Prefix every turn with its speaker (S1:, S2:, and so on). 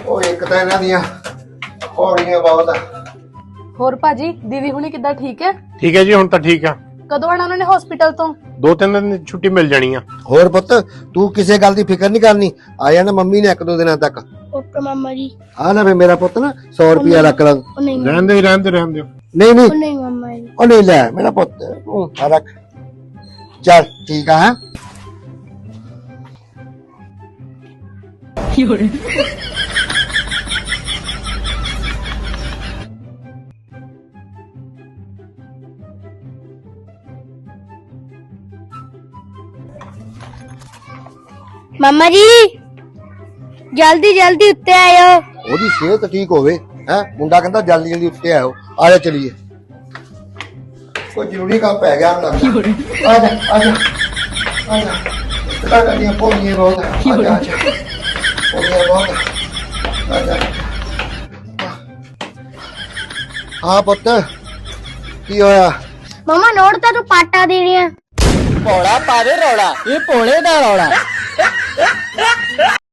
S1: ਉਹ ਇੱਕ ਤਾਂ ਇਹਨਾਂ ਦੀਆਂ ਪੌੜੀਆਂ ਬਹੁਤ ਆ।
S2: ਹੋਰ ਭਾਜੀ ਦੀਦੀ ਹੁਣੀ ਕਿੱਦਾਂ ਠੀਕ ਹੈ?
S3: ਠੀਕ ਹੈ ਜੀ, ਹੁਣ ਤਾਂ ਠੀਕ ਆ।
S2: ਕਦੋਂ ਆਣਾ ਉਹਨਾਂ ਨੇ ਹਸਪੀਟਲ ਤੋਂ?
S3: 2-3 ਦਿਨ ਦੀ ਛੁੱਟੀ ਮਿਲ ਜਾਣੀ ਆ।
S1: ਹੋਰ ਪੁੱਤ ਤੂੰ ਕਿਸੇ ਗੱਲ ਦੀ ਫਿਕਰ ਨਹੀਂ ਕਰਨੀ, ਆ ਜਾਣਾ ਮੰਮੀ ਨੇ 1-2 ਦਿਨਾਂ ਤੱਕ।
S4: ਓਕੇ ਮਾਮਾ ਜੀ।
S1: ਆ ਲੈ ਮੇਰਾ ਪੁੱਤ ਨਾ 100 ਰੁਪਿਆ ਰੱਖ ਲਾ।
S4: ਉਹ ਨਹੀਂ
S3: ਰਹਿਣ ਦਿਓ।
S1: ਨਹੀਂ ਨਹੀਂ
S4: ਉਹ ਨਹੀਂ ਮਾਮਾ ਜੀ।
S1: ਉਹ ਨਹੀਂ ਲੈ ਮੇਰਾ ਪੁੱਤ ਤੂੰ ਆ ਰੱਖ। ਚੱਲ ਠੀਕ ਆ।
S4: ਮਾਮਾ ਜੀ ਜਲਦੀ ਜਲਦੀ ਉੱਤੇ ਆਇਓ।
S1: ਉਹਦੀ ਸਿਹਤ ਠੀਕ ਹੋਵੇ ਹੈ। ਮੁੰਡਾ ਕਹਿੰਦਾ ਜਲਦੀ ਜਲਦੀ ਉੱਤੇ ਆਓ। ਆ ਜਾ ਚਲੀਏ, ਕੋਈ ਜ਼ਰੂਰੀ ਕੰਮ ਪੈ ਗਿਆ ਹੁਣ ਲੱਗਦਾ। ਆ ਜਾ ਆ ਜਾ ਆ ਜਾ। ਕਿਹੜਾ ਕਰਦੀਆਂ ਪੌੜੀਆਂ ਬਹੁਤ ਆ। ਆ ਜਾ ਆ ਜਾ ਪੌੜੀਆਂ ਬਹੁਤ ਆ। ਆ ਜਾ। ਹਾਂ ਪੁੱਤ ਕੀ ਹੋਇਆ?
S4: ਮਾਮਾ ਨੋਟ ਤਾਂ ਤੂੰ ਪਾਟਾ ਦੇਣੀ ਆ।
S5: ਭੋਲਾ ਪਾਵੇ ਰੌਲਾ, ਇਹ ਭੋਲੇ ਦਾ ਰੌਲਾ।